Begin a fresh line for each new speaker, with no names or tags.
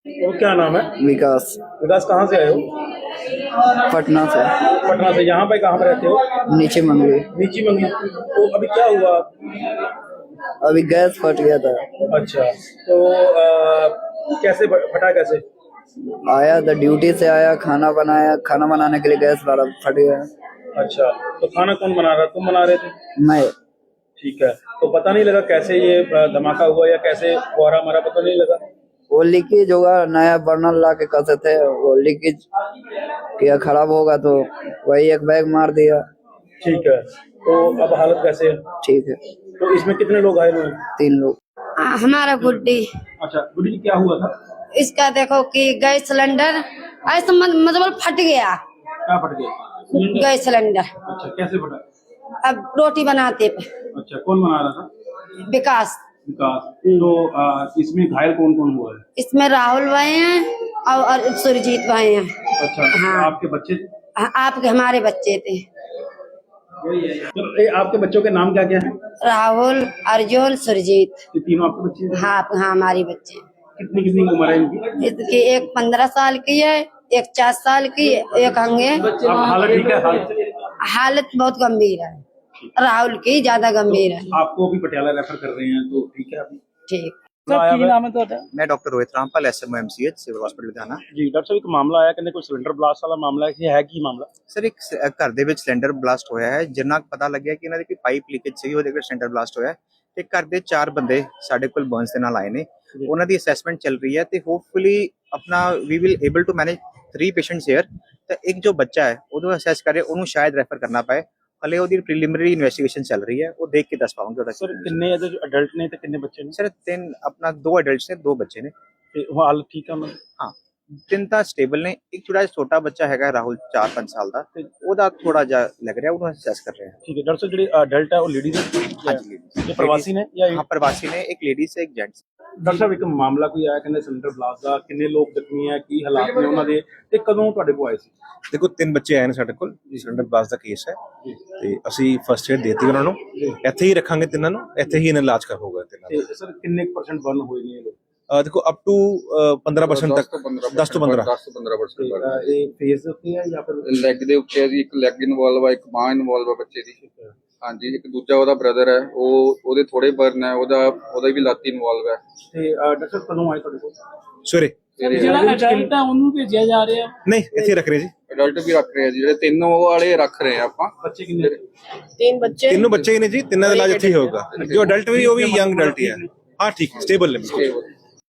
और क्या नाम है?
विकास।
विकास कहाँ से आए हो?
पटना से।
पटना से। यहाँ पे कहाँ पे रहते हो?
नीचे मंगली।
नीची मंगली। तो अभी क्या हुआ?
अभी गैस फट गया था।
अच्छा, तो कैसे फटा कैसे?
आया था ड्यूटी से, आया खाना बनाया, खाना बनाने के लिए गैस वाला फट गया।
अच्छा, तो खाना कौन बना रहा? तुम बना रहे थे?
मैं।
ठीक है, तो पता नहीं लगा कैसे ये धमाका हुआ या कैसे फुहारा मारा, पता नहीं लगा?
वो लीकेज होगा, नया बर्नर ला के कसे थे, वो लीकेज किया, खराब होगा तो वही एक बैग मार दिया।
ठीक है, तो अब हालत कैसे है?
ठीक है।
तो इसमें कितने लोग घायल हुए?
3 लोग।
हमारा गुड्डी।
अच्छा, गुड्डी जी क्या हुआ था?
इसका देखो कि गैस सिलेंडर ऐसा मतलब फट गया।
क्या फट गया?
Gas cylinder.
अच्छा, कैसे फटा?
अब रोटी बनाते पे।
अच्छा, कौन बना रहा था?
विकास।
विकास। तो इसमें घायल कौन कौन हुआ है?
इसमें राहुल भाई हैं और सुरजीत भाई हैं।
अच्छा,
हाँ।
आपके बच्चे?
आपके हमारे बच्चे थे।
तो आपके बच्चों के नाम क्या क्या है?
राहुल, अर्जुन, सुरजीत।
ये तीनों आपके बच्चे हैं?
हाँ हाँ, हमारी बच्चे।
कितनी कितनी उम्र है इनकी?
इसकी एक 15 साल की है, एक 4 साल की, एक हंगे।
अब हालत ठीक है?
हालत बहुत गंभीर है, राहुल की ज्यादा गंभीर है।
आपको भी पटियाला रेफर कर रहे हैं, तो ठीक है अभी?
ठीक।
मैं doctor Rohit Rampal SMO MCH civil hospital Ludhiana.
जी डॉक्टर साहब, एक मामला आया कि कोई सिलेंडर ब्लास्ट वाला मामला है कि मामला?
ਸਰ ਇੱਕ ਘਰ ਦੇ ਵਿੱਚ ਸਿਲੰਡਰ ਬਲਾਸਟ ਹੋਇਆ ਹੈ, ਜਿੰਨਾ ਕੁ ਪਤਾ ਲੱਗਿਆ ਕਿ ਇਹਨਾਂ ਦੀ ਕੋਈ ਪਾਈਪ ਲੀਕੇਜ ਸੀ, ਉਹਦੇ ਕਰਕੇ ਸਿਲੰਡਰ ਬਲਾਸਟ ਹੋਇਆ ਤੇ ਘਰ ਦੇ 4 ਬੰਦੇ ਸਾਡੇ ਕੋਲ ਬਰਨਸ ਦੇ ਨਾਲ ਆਏ ਨੇ। ਉਹਨਾਂ ਦੀ ਅਸੈਸਮੈਂਟ ਚੱਲ ਰਹੀ ਹੈ ਤੇ ਹੋਪਫੁਲੀ ਆਪਣਾ ਵੀ will able to manage 3 patients here. ਤੇ ਇੱਕ ਜੋ ਬੱਚਾ ਹੈ ਉਹਨੂੰ ਅਸੈਸ ਕਰੇ, ਉਹਨੂੰ ਸ਼ਾਇਦ ਰੈਫਰ ਕਰਨਾ ਪਏ। ਹਲੇ ਉਹਦੀ ਪ੍ਰੀਲਿਮਿਨਰੀ ਇਨਵੈਸਟੀਗੇਸ਼ਨ ਚੱਲ ਰਹੀ ਹੈ, ਉਹ ਦੇਖ ਕੇ ਦੱਸ ਪਾਵਾਂਗੇ ਉਹਦਾ।
ਸਰ ਕਿੰਨੇ ਅਡਲਟ ਨੇ ਤੇ ਕਿੰਨੇ ਬੱਚੇ ਨੇ?
ਸਰ 3 ਆਪਣਾ 2 ਐਡਲਟਸ ਨੇ, 2 ਬੱਚੇ ਨੇ
ਤੇ ਹਾਲ ਠੀਕ ਆ ਉਹਨਾਂ ਦੀ?
ਹਾਂ, 3 ਤਾਂ ਸਟੇਬਲ ਨੇ। ਇੱਕ ਥੋੜਾ ਛੋਟਾ ਬੱਚਾ ਹੈਗਾ ਰਾਹੁਲ 4-5 ਸਾਲ ਦਾ, ਤੇ ਉਹਦਾ ਥੋੜਾ ਜਿਹਾ ਲੱਗ ਰਿਹਾ, ਉਹਨੂੰ ਅਸੈਸ ਕਰ ਰਹੇ ਹਾਂ।
ਠੀਕ ਹੈ ਡਾਕਟਰ ਸਾਹਿਬ, ਜਿਹੜੇ ਅਡਲਟ ਹੈ ਉਹ ਲੇਡੀਜ਼ ਹੈ?
ਹਾਂਜੀ,
ਇਹ ਪ੍ਰਵਾਸੀ ਨੇ ਜਾਂ?
ਹਾਂ, ਪ੍ਰਵਾਸੀ ਨੇ, ਇੱਕ ਲੇਡੀਜ਼ ਹੈ, ਇੱਕ ਜੈਂਟਸ।
ਡਾਕਟਰ ਸਾਹਿਬ, ਇੱਕ ਮਾਮਲਾ ਕੋਈ ਆਇਆ ਕਹਿੰਦੇ ਸਿਲੰਡਰ ਬਲਾਸਟ ਦਾ, ਕਿੰਨੇ ਲੋਕ ਜ਼ਖਮੀ ਹੈ, ਕੀ ਹਾਲਾਤ ਨੇ ਉਹਨਾਂ ਦੇ, ਤੇ ਕਦੋਂ ਤੁਹਾਡੇ ਕੋਲ ਆਏ ਸੀ?
ਦੇਖੋ 3 ਬੱਚੇ ਆਏ ਨੇ ਸਾਡੇ ਕੋਲ, ਸਿਲੰਡਰ ਬਲਾਸਟ ਦਾ ਕੇਸ ਹੈ ਤੇ ਅਸੀਂ ਫਸਟ ਏਡ ਦੇਤੀ ਉਹਨਾਂ ਨੂੰ। ਇੱਥੇ ਹੀ ਰੱਖਾਂਗੇ ਤਿੰਨਾਂ ਨੂੰ, ਇੱਥੇ ਹੀ ਇਹਨਾਂ ਇਲਾਜ ਹੋਊਗਾ ਤਿੰਨਾਂ ਦਾ।
ਤੇ ਸਰ ਕਿੰਨੇ % ਬਰਨ ਹੋਏ ਨੇ ਇਹ ਲੋਕ?
ਦੇਖੋ ਅਪ ਟੂ 15% ਤੱਕ, 10 ਤੋਂ 15%।
ਇਹ ਫੇਸ ਦੇ ਉੱਤੇ ਹੈ ਜਾਂ ਫਿਰ
ਲੈਗ ਦੇ ਉੱਤੇ ਹੈ ਜੀ? ਇੱਕ ਲੈਗ ਇਨਵੋਲਵ ਹੈ, ਇੱਕ ਬਾਂਹ ਇਨਵੋਲਵ ਹੈ ਬੱਚੇ ਦੀ। ਹਾਂਜੀ, ਇੱਕ ਦੂਜਾ ਉਹਦਾ ਬ੍ਰਦਰ ਹੈ, ਉਹਦੇ ਥੋੜੇ ਬਰਨ ਹੈ, ਉਹਦਾ ਵੀ ਲੱਤ ਇਨਵੋਲਵ ਹੈ।
ਤੇ ਡਾਕਟਰ ਸਾਹਿਬ ਕਦੋਂ ਆਏ ਤੁਹਾਡੇ ਕੋਲ?
ਸਵੇਰੇ।
ਜਿਹੜਾ ਅਡਲਟ ਹੈ ਉਹਨੂੰ ਭੇਜਿਆ ਜਾ ਰਿਹਾ?
ਨਹੀਂ, ਇੱਥੇ ਰੱਖ ਰਹੇ ਜੀ।
ਅਡਲਟ ਵੀ ਰੱਖ ਰਹੇ ਆ ਜੀ, ਜਿਹੜੇ 3 ਵਾਲੇ ਰੱਖ ਰਹੇ ਆ ਆਪਾਂ।
ਬੱਚੇ ਕਿੰਨੇ?
3 ਬੱਚੇ।
ਤਿੰਨੋਂ ਬੱਚੇ ਹੀ ਨੇ ਜੀ, ਤਿੰਨਾਂ ਦਾ ਇਲਾਜ ਇੱਥੇ ਹੀ ਹੋਊਗਾ। ਜੋ ਅਡਲਟ ਵੀ ਉਹ ਵੀ ਯੰਗ ਅਡਲਟ ਹੀ ਹੈ। ਹਾਂ ਠੀਕ, ਸਟੇਬਲ ਨੇ।